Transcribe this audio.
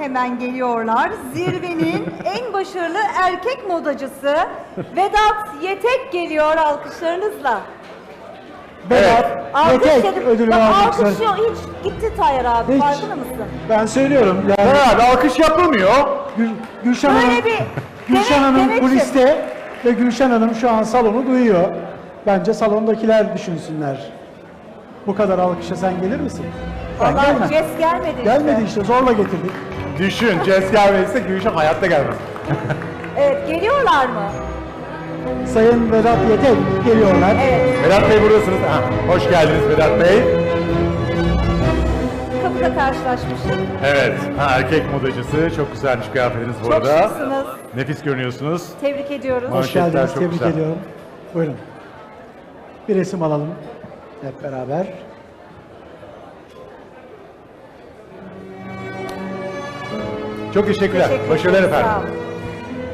hemen geliyorlar. Zirvenin en başarılı erkek modacısı Vedat Yetek geliyor alkışlarınızla. Vedat Yetek dedim. ödülünü Bak, almak alkışlıyor. Hiç gitti Tayyar abi. Hiç. Farkında mısın? Ben söylüyorum yani Abi alkış yapılmıyor. Gülşen Hanım, Böyle bir Gülşen Hanım demek ki- kuliste ve Gülşen Hanım şu an salonu duyuyor. Bence salondakiler düşünsünler. Bu kadar alkışa sen gelir misin? Ben Vallahi gelmem. Ces gelmedi işte. Gelmedi işte, zorla getirdik. Düşün, Ces gelmediyse Gülşen hayatta gelmez. Evet, geliyorlar mı? Sayın Vedat Yetek geliyorlar. Evet. Vedat Bey buradasınız. Ha, hoş geldiniz Vedat Bey. Kapıda karşılaşmıştık. Evet, erkek modacısı. Çok güzelmiş kıyafetiniz bu Çok arada. şıksınız. Nefis görünüyorsunuz. Tebrik ediyoruz. Hoş Hoş geldiniz, Manşetler çok tebrik güzel. ediyorum. Buyurun. Bir resim alalım hep beraber. Çok teşekkürler. Teşekkür Başarılar ederim, efendim. sağ olun.